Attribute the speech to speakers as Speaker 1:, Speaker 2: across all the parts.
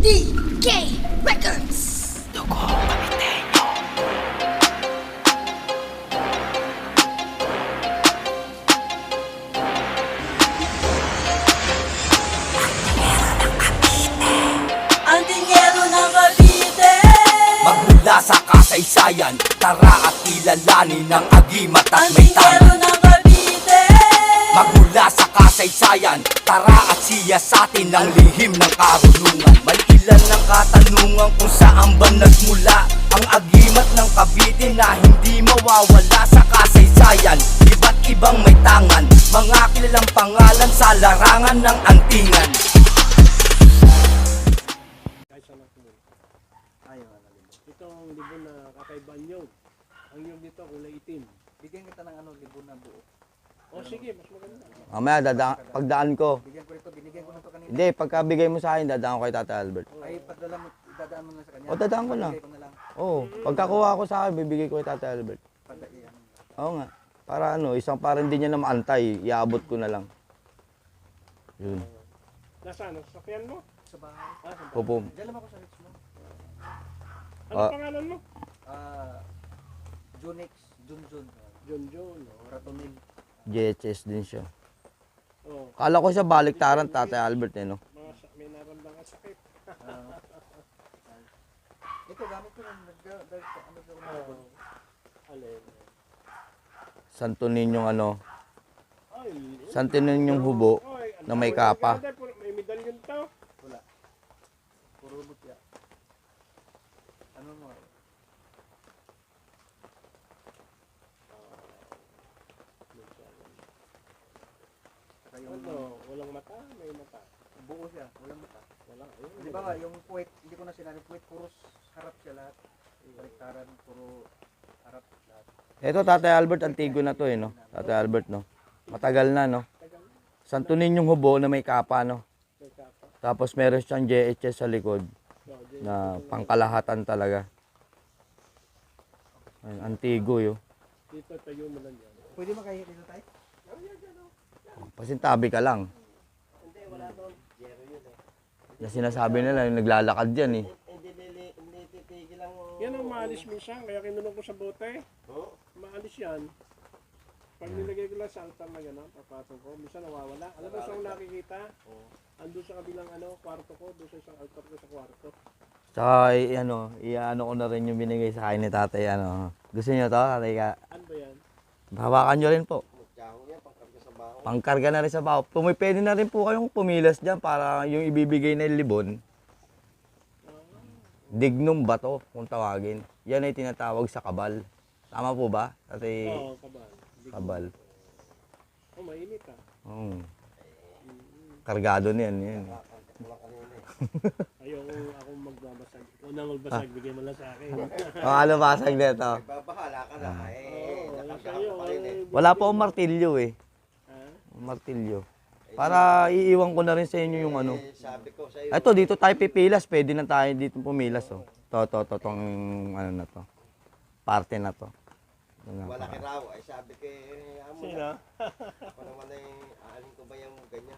Speaker 1: DK Records.
Speaker 2: Dugo Kapitenyo.
Speaker 3: Ang dinero ng Cavite.
Speaker 2: Magmula sa kasaysayan, tara at kilalanin ang agimat at
Speaker 3: Ang
Speaker 2: may
Speaker 3: dinero
Speaker 2: tangan.
Speaker 3: ng Cavite.
Speaker 2: Magmula sa kasaysayan, tara at siya sa atin ang lihim ng karunungan. May ilan ng katanungan kung saan ba nagmula ang agimat ng Cavite na hindi mawawala sa kasaysayan. Iba't ibang may tangan, mga kilalang pangalan sa larangan ng antingan.
Speaker 4: Itong libon na kakaiba niyog. Ang niyog nito kulay itim.
Speaker 5: Bigyan kita ng libon na buo.
Speaker 4: O sige, mas maganda.
Speaker 6: Mamaya, pagdaan ko.
Speaker 5: Bigyan ko ito, binigyan ko na ito kanina.
Speaker 6: Hindi, pagkabigay mo sa akin, dadaan ko kay Tata Albert.
Speaker 5: Ay, padala mo, idadaan mo na sa kanya.
Speaker 6: O, dadaan ko na.
Speaker 5: Bigay ko na lang.
Speaker 6: Oo, pagkakuha ko sa akin, bibigay ko kay Tata Albert.
Speaker 5: Padaiyan.
Speaker 6: Oo nga. Para isang para hindi niya na maantay, iaabot ko na lang. Yun.
Speaker 4: Nasaan? Ang sasakyan mo?
Speaker 5: Sa bahay.
Speaker 4: Ah, sa
Speaker 6: Pupum.
Speaker 5: Diyan lang ako sa Richmond.
Speaker 4: Ano
Speaker 6: Ah.
Speaker 4: pangalan mo?
Speaker 5: Junix, Junjun,
Speaker 4: John John.
Speaker 5: Ratonil.
Speaker 6: JHS din siya.
Speaker 4: Oh,
Speaker 6: Kala ko siya baliktaran, Tata Albert may
Speaker 4: may naramdaman sakit.
Speaker 5: Ito, gamit ko lang. Ano sa
Speaker 4: Oh, alin.
Speaker 6: Santo Ninyong
Speaker 4: Ay,
Speaker 6: Santo Ninyong hubo
Speaker 4: Oy, ang
Speaker 6: na may
Speaker 4: tawag
Speaker 6: kapa.
Speaker 4: ng brother, may medalyon to.
Speaker 5: Wala. Puro butya. Ano mo? Saka yung
Speaker 4: Ano, walang mata, may mata.
Speaker 5: buo siya, walang mata.
Speaker 4: Wala, ayun.
Speaker 5: Di ba nga, yung puwet, hindi ko na sinabi, puwet, puro harap siya lahat. Baliktaran, puro harap lahat.
Speaker 6: Ito, Tata Albert, antigo na to no? Tata Albert, no? Matagal na, no? Santo Ninyong hubo na may kapa, no?
Speaker 4: May kapa.
Speaker 6: Tapos meron siyang JHS sa likod
Speaker 4: So, di-
Speaker 6: na pangkalahatan talaga. Ayun, antigo, yo.
Speaker 4: Dito tayo mo lang yan.
Speaker 5: Pwede makahiya dito tayo?
Speaker 6: Pasintabi ka lang. Na sinasabi nila, yung naglalakad dyan, eh.
Speaker 4: Yan ang maalis minsan, kaya kinulong ko sa bote. Maalis yan. Pag nilagay ko lang sa altar na gano'n, papatong ko, minsan nawawala. Alam mo saan nakikita? Andun sa kabilang kwarto ko, doon sa isang altar ko sa kwarto.
Speaker 6: Tsaka, iano ko na rin yung binigay sa akin ni tatay, Gusto niyo to, tatay ka?
Speaker 4: Ano ba yan?
Speaker 6: Hawakan nyo rin po. Pangkarga na rin sa baho. Pwede na rin po kayong pumilas dyan para yung ibibigay na libon. Dignum bato, kung tawagin. Yan ay tinatawag sa kabal. Tama po ba? Tatay
Speaker 4: Oo, kabal.
Speaker 6: kabal.
Speaker 4: Oh, mainit ah.
Speaker 6: Oo. Kargado niyan. Yan.
Speaker 4: Ayoko akong magbabasag. Ikaw na magbasag, bigay mo lang sa akin.
Speaker 6: Ano basag nito?
Speaker 5: Babahala ka na.
Speaker 4: Oo, sa'yo.
Speaker 6: Wala pa akong martilyo eh.
Speaker 4: Ha?
Speaker 6: Martilyo. Para iiwan ko na rin sa inyo yung
Speaker 5: Sabi ko sa'yo.
Speaker 6: Ito, dito tayo pipilas. Pwede na tayo dito pumilas. Oh. Tong na to. Parte na to.
Speaker 5: Malaki raw. Ay sabi ko, amo
Speaker 4: Sino?
Speaker 5: na. Ako naman ay, aalin ko ba yung ganyan?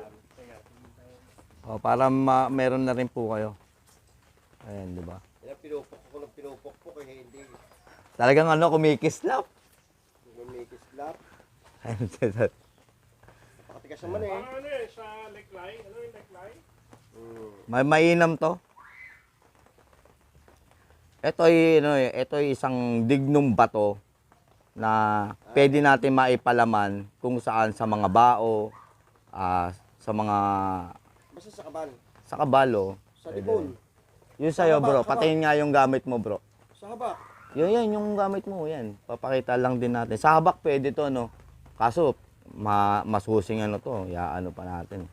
Speaker 6: Oh, para meron na rin po kayo. Ayan, di ba?
Speaker 5: Yan, pinupok eh, hindi.
Speaker 6: Talagang kumikislap.
Speaker 5: May kislap.
Speaker 6: Ayun,
Speaker 5: Pakatigas naman eh.
Speaker 4: Ano sa neckline? Ano yung neckline?
Speaker 6: May mainam to. Ito ay isang dignum bato na pwede natin maipalaman kung saan sa mga bao, sa mga
Speaker 5: Basta sa kabal.
Speaker 6: sa kabalo.
Speaker 5: Sa libon.
Speaker 6: Yun sa'yo bro, patingin nga yung gamit mo bro.
Speaker 5: Sa haba.
Speaker 6: Yan, yung gamit mo, yan. Papakita lang din natin. Sa habak pwede to, no? Kaso, masusing to, yaano pa natin.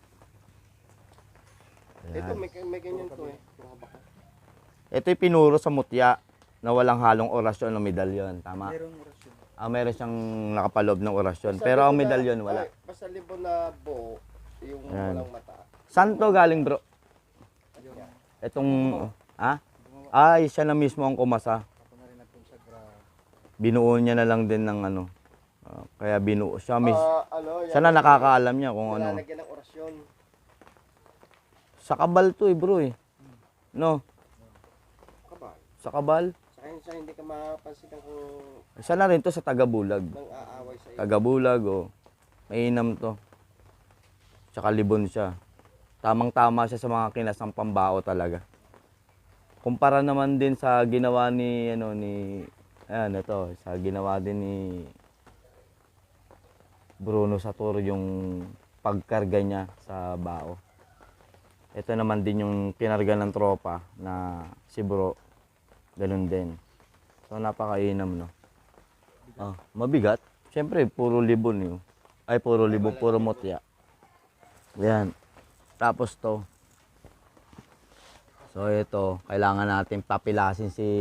Speaker 5: Ito, may ganyan to eh. Sa haba.
Speaker 6: Ito'y pinuro sa mutya na walang halong orasyon o medalyon, tama?
Speaker 5: Merong orasyon.
Speaker 6: Meron siyang nakapaloob ng orasyon, pero ang medalyon wala.
Speaker 5: Basta libon na buo, yung
Speaker 6: Yan.
Speaker 5: walang mata.
Speaker 6: Saan to galing bro? Itong, ay, siya na mismo ang kumasa.
Speaker 5: Ako na rin nagkonsagra.
Speaker 6: Binuo niya na lang din ng kaya binuo siya.
Speaker 5: Ano,
Speaker 6: Siya na nakakaalam niya kung ano.
Speaker 5: Lalagyan ng orasyon.
Speaker 6: Sa Kabal to bro eh. No?
Speaker 5: Kabal.
Speaker 6: Sa Kabal.
Speaker 5: Sa kanya siya hindi ka mapansin kung
Speaker 6: Isa na rin to sa Tagabulag.
Speaker 5: nang aaway sa iyo.
Speaker 6: Tagabulag oh. Mainam to. Tsaka libon siya. Tamang-tama siya sa mga kinasang pambao talaga. Kumpara naman din sa ginawa ni ayan ito, sa ginawa din ni Bruno Sator yung pagkarga niya sa bao. Ito naman din yung kinarga ng tropa na si Bro. Ganun din. So napakainam no. Mabigat. Siyempre puro libon yun. Ay puro libon, puro mutya. Yan. Tapos to. So ito, kailangan natin papilasin si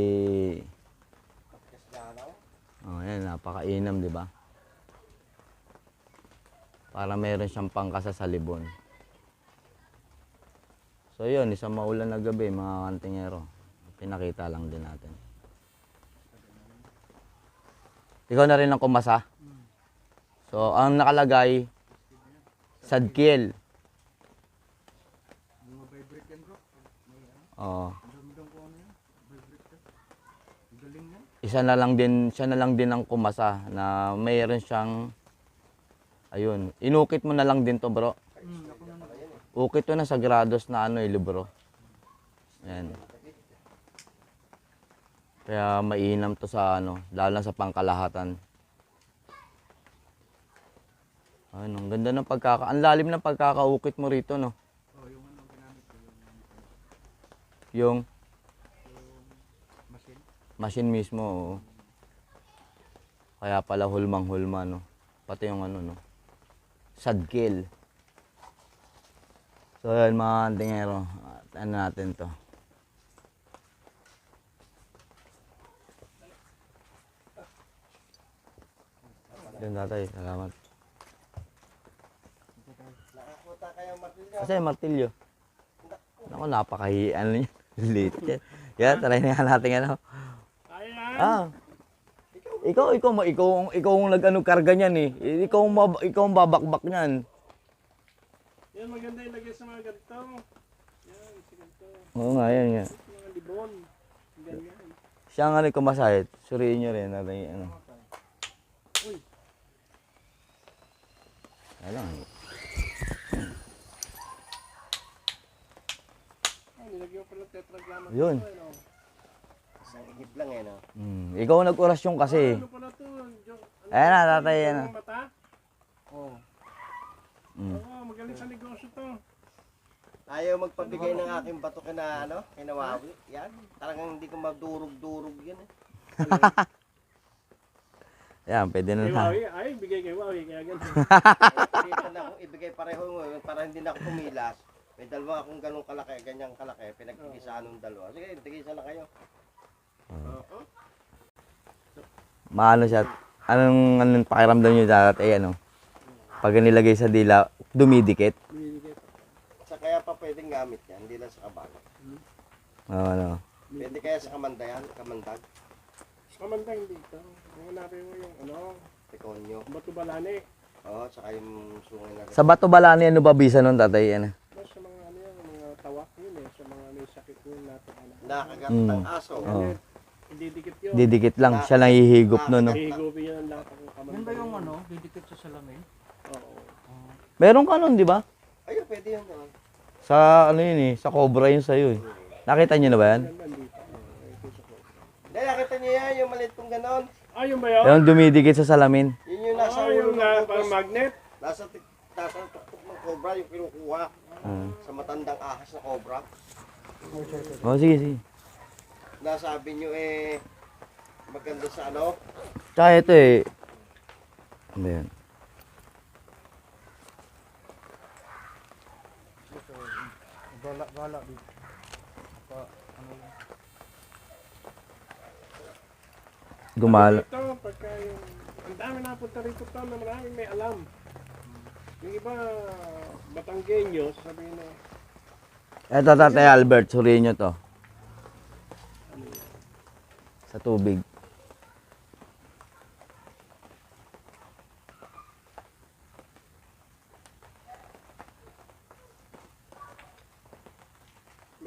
Speaker 6: yan, napakainam, di ba? Para meron siyang pangkasa sa libon. So yun, isang maulan na gabi, mga kantingero. Pinakita lang din natin. Ikaw na rin ang kumasa. So, ang nakalagay, Sadkiel. Oo. Siya na lang din ang kumasa na mayroon siyang ayun, inukit mo na lang din to, bro. Ukit to na sa grados na libro. Ayan. Kaya mainam to sa lalo na sa pangkalahatan. Ayun, ang ganda ng ang lalim ng pagkakaukit mo rito, no? Yung machine mismo, oo. Kaya pala hulmang-hulma, no? Pati yung no? Sadkiel. So, yun mga kantingero. Ano natin to? Yun tatay, salamat.
Speaker 5: Nakakuta kayong martilyo.
Speaker 6: Kasi martilyo. Naku, napakahiyan niya. Late yan. Yan, try na natin
Speaker 4: Ayan.
Speaker 6: Ikaw ang karga niyan eh. Ikaw ang babakbak niyan.
Speaker 4: Yan, maganda ilagay sa mga ganito. Yan, sa ganito.
Speaker 6: Oo nga, yan nga.
Speaker 4: Mga libon. Ganyan.
Speaker 6: Siya nga kumasahit. Suriin nyo rin natin
Speaker 4: Uy.
Speaker 6: Alam.
Speaker 4: Nilagyan ko pala tetragramma.
Speaker 6: Yun.
Speaker 5: Isang igib lang no.
Speaker 6: Ikaw ang nag-orasyon kasi.
Speaker 4: Ano pala to?
Speaker 6: Ayan na, tatay, yan na.
Speaker 4: Ang mata? Oo. Oo, magaling sa negosyo to.
Speaker 5: Ayaw magpabigay ng aking bato kina Wawi. Yan. Talagang hindi ko madurog-durog yan eh.
Speaker 6: Yan, pwede na
Speaker 4: Kay
Speaker 6: na.
Speaker 4: Wawi, ay, bigay kay Wawi, kaya ganun.
Speaker 5: Dito na akong ibigay pareho ngayon para hindi na ako pumilas. May dalawa akong ganong kalaki, ganyang kalaki, pinagtigisaan ng dalawa. Sige, tigisan na kayo.
Speaker 4: Oo.
Speaker 6: Maano siya. Anong pakiramdam nyo dati pag nilagay sa dila, dumidikit.
Speaker 5: Sa kaya pa pwedeng gamit yan, hindi lang sa kabalo.
Speaker 6: Oo,
Speaker 5: Pwede kaya sa kamandag,
Speaker 4: Sa kamandang dito. Hanapin mo yung
Speaker 5: tekonyo.
Speaker 4: Bato Balani.
Speaker 5: Oo, saka yung sungay na rin.
Speaker 6: Sa Bato Balani, ano ba bisa nun, tatay?
Speaker 4: Mas sa mga mga tawak yun sa mga may sakit yun natin.
Speaker 5: Nakagat ng aso.
Speaker 6: Oo.
Speaker 4: Hindi dikit yun.
Speaker 6: Didikit lang. Siya lang hihigop nun, no?
Speaker 4: Hihigupin yun ang lahat ng kamandang.
Speaker 3: Yan ba yung didikit sa salamin?
Speaker 4: Oo.
Speaker 6: Meron ka nun, di ba?
Speaker 5: Ayun, pwede yun.
Speaker 6: Sa sa Cobra yun sa'yo eh. Nakita niyo na ba yan?
Speaker 4: Nandito.
Speaker 5: Dahil nakita niyo yan, yung maliit kong ganon.
Speaker 4: Ayun ba yun?
Speaker 6: Yung dumidikit sa salamin.
Speaker 5: Yun yung nasa ulo
Speaker 4: yung
Speaker 5: ng
Speaker 4: parang
Speaker 5: kupos.
Speaker 4: magnet.
Speaker 5: Nasa tuktok ng cobra, yung kinukuha. Sa matandang ahas na cobra.
Speaker 6: Sige.
Speaker 5: Nasabi nyo maganda sa
Speaker 6: Tsaka ito eh. Ano yan?
Speaker 5: Gala dito.
Speaker 6: Gumala.
Speaker 4: Ito, pagka yung... Ang dami napunta rito to na maraming may alam. Yung iba, Batanggenyo, sasabihin na,
Speaker 6: Ito, tatay Albert. Suriin nyo to. Sa tubig.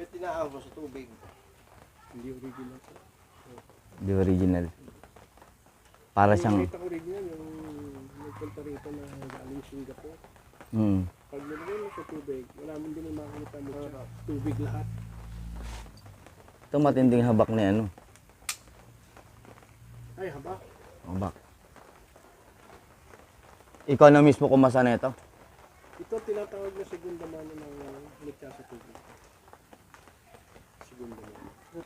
Speaker 5: May tinaahon mo sa tubig.
Speaker 4: Hindi original to.
Speaker 6: Di original. Para siyang,
Speaker 4: Nakita ko original yung nagpunta rito na galing Singapore.
Speaker 6: hmm.
Speaker 4: Pag nilagay mo sa tubig, wala mo din makikita mo sa tubig lahat.
Speaker 6: Ito matinding habak ni ano.
Speaker 4: Ay, haba.
Speaker 6: Habak. Ikaw na mismo kumasa na ito.
Speaker 4: Ito tinatawag na segunda mano ng ligtas sa tubig. Segunda mano.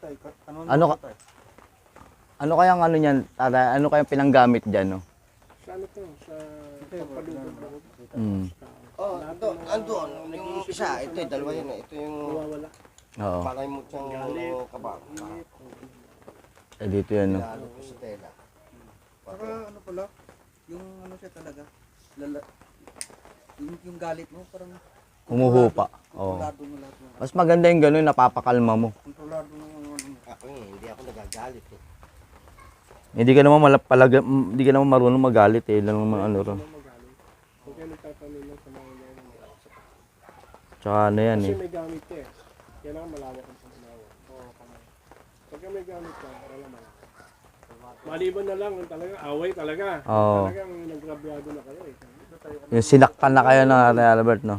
Speaker 6: Ano kayang ano niyan, tata? Ano kayang pinanggamit diyan, no?
Speaker 4: Sa ano to? Sa pagpalugod ako.
Speaker 6: Hmm.
Speaker 5: Oh, andun. Yung isa, ito yung dalawa yun eh. Ito yung
Speaker 4: Nawawala.
Speaker 6: Oo.
Speaker 5: palay mo siyang kabang.
Speaker 6: Eh, dito yan, no?
Speaker 5: Lalo ko sa tela.
Speaker 3: Saka ano pala, yung ano siya talaga, lala, yung galit mo, parang
Speaker 6: Humuhupa. Oo.
Speaker 3: kontrolado mo lahat mo.
Speaker 6: Mas maganda yung gano'n, napapakalma mo.
Speaker 3: Kontrolado mo yung ano mo.
Speaker 5: Ako hindi ako nagagalit eh.
Speaker 6: Hindi ka naman hindi ka naman marunong magalit eh. Lang naman ano ron.
Speaker 4: Magaling. Huwag kayo nagtatanong lang sa mga
Speaker 6: Tsaka ano yan
Speaker 4: Kasi
Speaker 6: eh.
Speaker 4: may gamit ka eh. Kailangan malawak ang panginawa. Oo, kamay. Pagka may gamit ka, wala malawak. Maliban na lang, talaga, away talaga.
Speaker 6: Oo.
Speaker 4: Talagang nagrabyado na kayo eh.
Speaker 6: Yung sinaktan na kayo ng Ate Albert, no?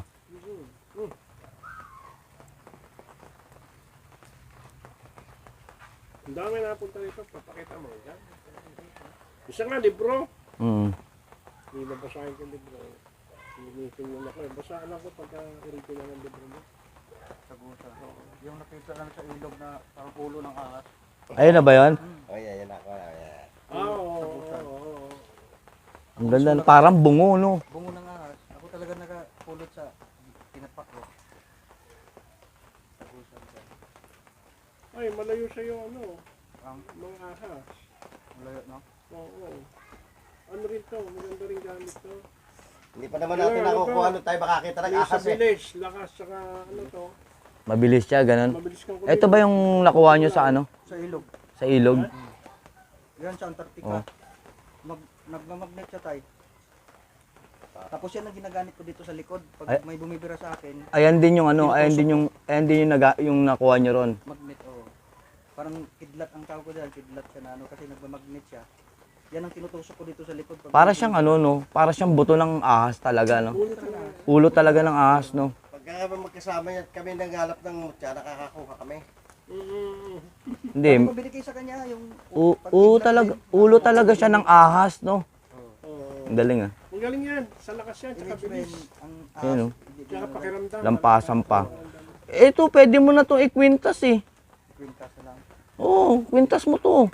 Speaker 4: Ang dami napunta dito, papakita mo. Yan. Isa nga, libro.
Speaker 6: Mm.
Speaker 4: Hindi nabasahin ko yung libro. Hinihiling mo na ko eh. Basaan ako pagka original ng libro mo.
Speaker 3: Sagutan. Yung nakita lang sa ilog na parang ulo ng ahas.
Speaker 6: Ayun na ba yun?
Speaker 5: Oh, yan ako. Yan.
Speaker 4: Oo.
Speaker 6: Ang ganda. Parang bungo, no?
Speaker 3: Bungo ng ahas. Ako talaga nakapulot sa tinapak ko. Sagutan ka.
Speaker 4: Ay, malayo sa'yo ano,
Speaker 3: Ang
Speaker 4: mga ahas.
Speaker 3: malayo, no?
Speaker 4: Oo. Ano rin to, maganda rin gamit to.
Speaker 5: Hindi pa naman natin
Speaker 4: Ano
Speaker 5: nakukuha
Speaker 4: ba?
Speaker 5: ano tayo makakita ng
Speaker 4: May sa
Speaker 5: ahas eh.
Speaker 4: village, lakas, saka ano to,
Speaker 6: Mabilis siya, ganun.
Speaker 4: mabilis kang
Speaker 6: Ito ba yung nakuha nyo sa ano?
Speaker 3: Sa ilog.
Speaker 6: Sa ilog?
Speaker 3: Yan sa Antarctica.
Speaker 6: Oh.
Speaker 3: Nagmamagnet siya tayo. Tapos yan ang ginagamit ko dito sa likod. Pag
Speaker 6: Ay.
Speaker 3: may bumibira sa akin,
Speaker 6: Ayan din yung ano, ayan din yung, yung nakuha nyo ron.
Speaker 3: magnet, oh. Parang kidlat ang tawag ko dyan. Kidlat siya na ano kasi nagmamagnet siya. Yan ang tinutusok ko dito sa likod. Pag
Speaker 6: Para siyang ano, no? Para siyang buto ng ahas talaga, no? Ulo talaga ng ahas, no?
Speaker 5: Pagka magkasama yan, kami nanghalap ng mutya, nakakakuha kami.
Speaker 6: Hindi.
Speaker 3: Pabili kayo sa kanya yung
Speaker 6: Ulo talaga siya ng ahas, no? Ang galing, ah.
Speaker 4: Ang galing yan, sa lakas yan, tsaka bilis.
Speaker 3: ang
Speaker 6: Ayan, no?
Speaker 4: Tsaka pakiramdam.
Speaker 6: Lampasan pa. Ito, pwede mo na to ikwintas, eh.
Speaker 3: kwintas na lang.
Speaker 6: Oo, kwintas mo to.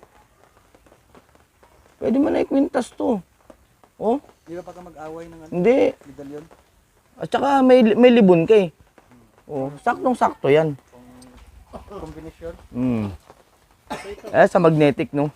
Speaker 6: Pwede mo na ikwintas to. Oh,
Speaker 3: Di ba pagka mag-away ng ano,
Speaker 6: hindi.
Speaker 3: medalyon?
Speaker 6: At saka may libon ka eh. Oh, saktong-sakto yan.
Speaker 3: Combination?
Speaker 6: Mm. Sa magnetic, no?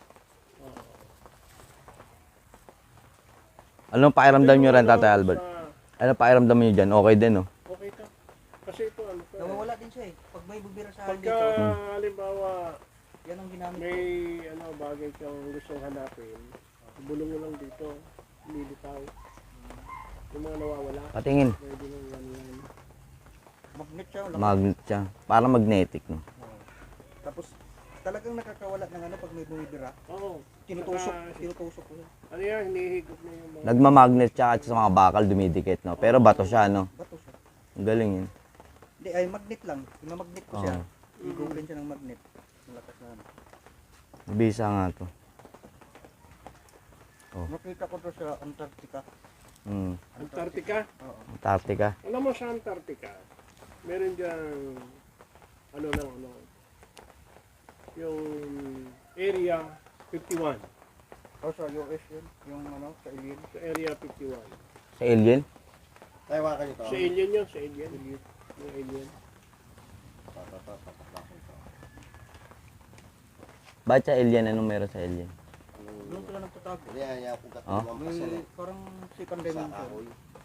Speaker 6: Anong pakiramdam nyo rin, Tatay Albert? Ano pakiramdam nyo dyan? Okay din, no?
Speaker 4: Okay to. Kasi ito ano to.
Speaker 3: Nawawala din siya eh. Pag may bubira sa akin
Speaker 4: Pagka
Speaker 3: dito,
Speaker 4: halimbawa
Speaker 3: yan ang ginamit ko.
Speaker 4: may ano bagay kang gustong hanapin, bulong mo lang dito, lilitaw. Yung mga nawawala,
Speaker 6: Patingin.
Speaker 4: pwede nang yan.
Speaker 3: Magnet siya. Wala.
Speaker 6: Magnet siya. Para magnetic, no?
Speaker 3: Tapos talagang nakakawala ng ano pag may bumibira.
Speaker 4: Oo.
Speaker 3: Tinutusok ko.
Speaker 4: Ano yan, hinihigop na yung mga...
Speaker 6: Nagmamagnet siya at sa mga bakal dumidikit, no? Pero bato siya, no?
Speaker 3: Bato siya.
Speaker 6: Ang galing yun.
Speaker 3: Hindi, ay magnet lang. Imamagnet ko siya.
Speaker 6: Oo.
Speaker 3: Igugulin siya ng magnet. Malakas na ano.
Speaker 6: Bisa nga to.
Speaker 3: Nakita ko to sa Antarctica.
Speaker 6: Mm.
Speaker 4: Antarctica.
Speaker 3: Oo.
Speaker 6: Antarctica.
Speaker 4: Alam mo sa Antarctica, meron diyang ano lang ano, yung area 51.
Speaker 3: O sa US yun. Yung ano, sa alien.
Speaker 4: Sa area 51.
Speaker 6: Sa alien?
Speaker 5: Tayo ka nito.
Speaker 4: Sa alien yun, sa alien. Yung alien.
Speaker 6: Bakit sa alien? Anong meron sa alien?
Speaker 3: Doon sila nagtatago.
Speaker 5: Yan kung
Speaker 6: Oh?
Speaker 5: katulong pasal
Speaker 3: May
Speaker 5: eh.
Speaker 3: parang second
Speaker 5: Sa
Speaker 3: dimension.
Speaker 5: kahoy.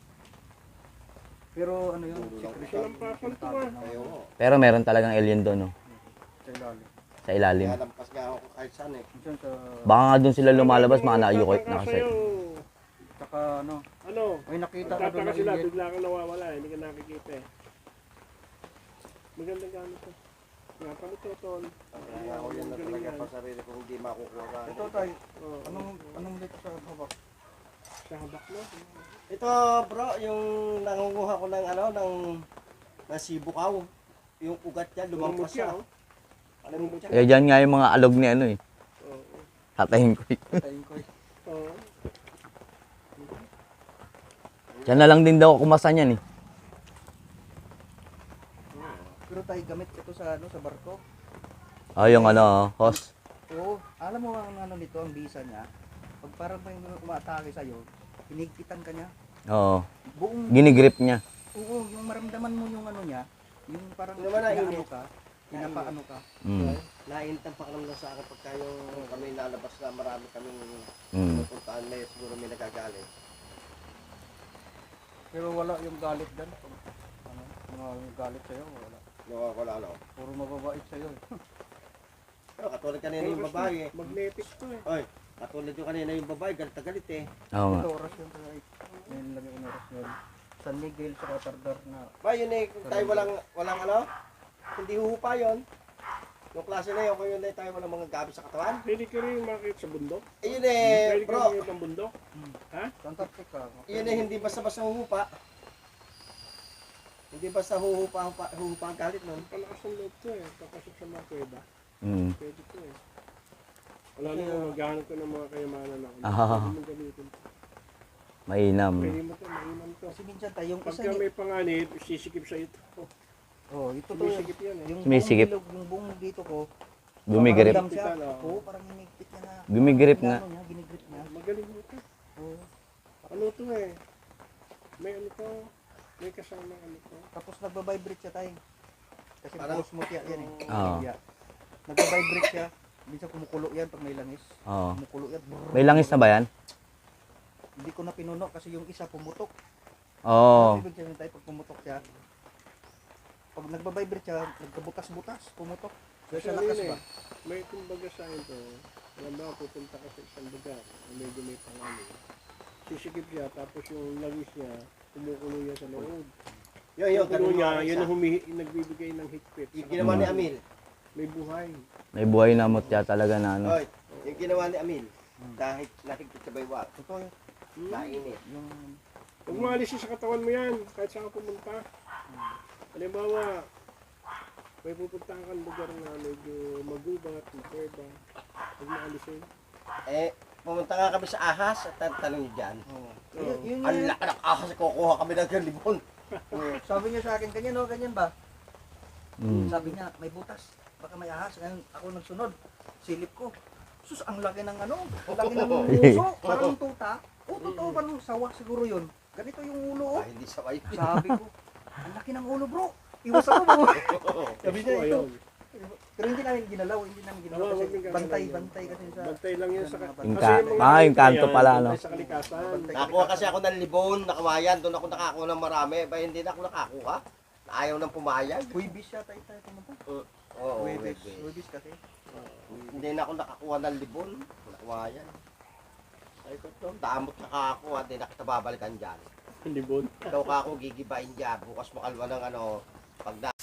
Speaker 3: Pero ano yun,
Speaker 5: Puro lang
Speaker 3: secret.
Speaker 4: Silang pasal to ba?
Speaker 5: Ayaw mo.
Speaker 6: Pero meron talagang alien doon, no?
Speaker 3: Sa ilalim.
Speaker 6: Sa ilalim.
Speaker 5: Kaya lampas nga ako kahit saan eh.
Speaker 3: Minsan sa...
Speaker 6: Baka nga doon sila lumalabas, mga naayukot na kasi.
Speaker 3: Saka ano,
Speaker 4: Ano?
Speaker 3: may nakita ko doon
Speaker 4: Tataka
Speaker 3: na
Speaker 4: sila,
Speaker 3: alien.
Speaker 4: bigla kang nawawala, hindi ka nakikita eh. Magandang gamit to. Nga pa nito, Tol.
Speaker 5: Kaya ako yan na
Speaker 4: Galing
Speaker 5: talaga
Speaker 4: yan.
Speaker 5: pa sarili ko hindi makukuha sa
Speaker 3: Ito tayo,
Speaker 4: Oo.
Speaker 3: anong dito sa habak?
Speaker 4: Sa habak mo.
Speaker 5: Ito bro, yung nangunguha ko ng ano, ng sibukaw. Yung ugat niya, lumampas
Speaker 4: Lumampas siya,
Speaker 5: siya.
Speaker 4: oh.
Speaker 5: Alam mo siya?
Speaker 6: Kaya dyan nga yung mga alog ni ano eh.
Speaker 4: Oo.
Speaker 6: Tatayin ko eh.
Speaker 3: Tayin ko eh.
Speaker 4: Oo.
Speaker 6: Diyan na lang din daw ako kumasan yan eh.
Speaker 3: Pero tayo gamit ito sa ano, sa barko.
Speaker 6: Oh, yung ano, host.
Speaker 3: Oo, alam mo ang ano nito, ang bisa niya. Pag parang may umatake sa'yo, pinigpitan ka niya.
Speaker 6: Oo.
Speaker 3: Buong,
Speaker 6: Ginigrip niya.
Speaker 3: oo, yung maramdaman mo yung ano niya, yung parang
Speaker 5: Yung wala,
Speaker 3: inaano
Speaker 5: init.
Speaker 3: ka, pinapaano ka.
Speaker 6: Mm.
Speaker 5: Naintan pa kami lang sa akin pagka yung kami nalabas na marami kaming
Speaker 6: Mm.
Speaker 5: pupuntaan na siguro may nagagalit.
Speaker 3: Pero wala yung galit dyan. Ano, mga galit sa'yo, wala.
Speaker 5: Wala ano.
Speaker 3: Puro mababait sa'yo. eh.
Speaker 5: Pero katulad kanina yung babae eh.
Speaker 4: Magnetic to eh.
Speaker 5: Oy, katulad yung kanina yung babae, galit na galit eh.
Speaker 6: Oo nga.
Speaker 3: Ito oras yun tayo. Ngayon lang yung oras yun. San Miguel sa Catardar na.
Speaker 5: Ba, yun eh, kung tayo walang ano, hindi huhupa yun. Yung klase na yun, kung yun eh, tayo walang mga gabi sa katawan.
Speaker 4: Pwede ka rin makikita sa bundok.
Speaker 5: Eh yun eh,
Speaker 4: Pwede ka
Speaker 5: bro,
Speaker 4: makikita ng bundok. Ha?
Speaker 3: Antarctica.
Speaker 5: yun eh, hindi basta-basta huhupa. Hindi basta huhupa ang galit nun.
Speaker 4: Palakas ng loob to eh. Papasok sa mga kuweba.
Speaker 6: Mm.
Speaker 4: Pwede to eh. Wala naman maghahanap ko ng mga kayamanan ako.
Speaker 6: Ah.
Speaker 4: Pwede mo gamitin.
Speaker 6: Mainam.
Speaker 4: Pwede mo to, mainam to.
Speaker 3: Kasi minsan tayo, yung isa
Speaker 4: Pagka
Speaker 3: ni...
Speaker 4: may panganib, sisikip sa ito.
Speaker 3: Oh, ito to.
Speaker 4: Sumisikip yan eh.
Speaker 3: Yung
Speaker 6: Sumisikip.
Speaker 3: buong bilog, yung buong dito ko.
Speaker 6: Gumigrip.
Speaker 3: Parang siya.
Speaker 4: Higpitan, oo.
Speaker 3: Oo, parang hinigpit niya na.
Speaker 6: Gumigrip nga.
Speaker 3: Ano niya, ginigrip niya.
Speaker 4: Magaling mo to.
Speaker 3: Oo.
Speaker 4: Ano to eh. May ano to. May kasama ano to.
Speaker 3: Tapos nagbabibrate siya tayo. Kasi
Speaker 5: Parang-
Speaker 3: osmote yan eh.
Speaker 6: Oo.
Speaker 3: Yeah. Nagbabibrate siya. Minsan kumukulo yan pag may langis.
Speaker 6: Oo.
Speaker 3: Kumukulo yan. Brrr.
Speaker 6: May langis na ba yan?
Speaker 3: Hindi ko na pinuno kasi yung isa pumutok.
Speaker 6: Oo.
Speaker 3: Ibig sabihin tayo pag pumutok siya. Pag nagbabibrate siya, nagkabutas-butas, pumutok. Kaya
Speaker 4: Kasi
Speaker 3: sa
Speaker 4: ano
Speaker 3: lakas
Speaker 4: yun
Speaker 3: ba?
Speaker 4: eh. May kumbaga sa akin to. Alam mo, pupunta ka sa isang lugar. na Medyo may panganib. Sisikip siya, tapos yung langis niya, kumukulo yan sa loob.
Speaker 5: Yun,
Speaker 4: Yung kulo
Speaker 5: ganun
Speaker 4: niya,
Speaker 5: yung
Speaker 4: yun
Speaker 5: isa.
Speaker 4: ang nagbibigay ng higpit.
Speaker 5: Yung ginawa ni Amil.
Speaker 4: May buhay.
Speaker 6: May buhay na mutya talaga na ano.
Speaker 5: Oy, yung ginawa ni Amil. Dahil nakikita sa baywak,
Speaker 3: Totoo yun.
Speaker 5: nainit.
Speaker 3: Yung
Speaker 4: Huwag mo alisin sa katawan mo yan, kahit saan ka pumunta. Halimbawa, may pupuntahan kang lugar na medyo magubat, makuweba. Huwag mo alisin.
Speaker 5: Eh, pumunta nga kami sa ahas at tanong niyo dyan.
Speaker 3: Oo.
Speaker 4: Oo.
Speaker 3: Yun
Speaker 5: Ang
Speaker 3: yung,
Speaker 5: laki ng ahas, kukuha kami ng galibon.
Speaker 3: sabi niya sa akin, ganyan o, ganyan ba?
Speaker 6: Mm.
Speaker 3: Sabi niya, may butas. Baka may ahas. Ngayon, ako nagsunod. Silip ko. Sus, ang laki ng ano. Ang laki ng uso. Parang tuta. O, totoo ba nung sawa siguro yun? Ganito yung ulo, oh.
Speaker 5: Ah, hindi sabay.
Speaker 3: Sabi ko, ang laki ng ulo, bro. Iwas ako, bro. Sabi niya,
Speaker 4: Oo,
Speaker 3: ito.
Speaker 4: ayun.
Speaker 3: Pero hindi namin ginalaw. Hindi namin ginalaw
Speaker 4: Oo,
Speaker 3: kasi
Speaker 4: huwag yung gagalaw
Speaker 3: bantay,
Speaker 4: yun.
Speaker 3: bantay kasi sa...
Speaker 4: Bantay lang yun sa
Speaker 3: Bantay.
Speaker 6: Yung
Speaker 4: kasi
Speaker 6: ka- yung kanto pala, no?
Speaker 4: Bantay sa kalikasan.
Speaker 3: Bantay.
Speaker 5: Nakuha kasi ako ng libon, nakawayan. Doon ako nakakuha ng marami. Ba hindi na ako nakakuha. Ayaw nang pumayag.
Speaker 3: Huibis siya tayo pumunta.
Speaker 5: Oo,
Speaker 3: Huibis.
Speaker 5: wait.
Speaker 3: Huibis kasi.
Speaker 5: Hindi na ako nakakuha ng libon. Nakawayan. Ay ko to, damot na ako, hindi na kita babalikan dyan.
Speaker 4: Libon.
Speaker 5: Ikaw ka ako gigibain dyan. Bukas makalwa ng ano, pag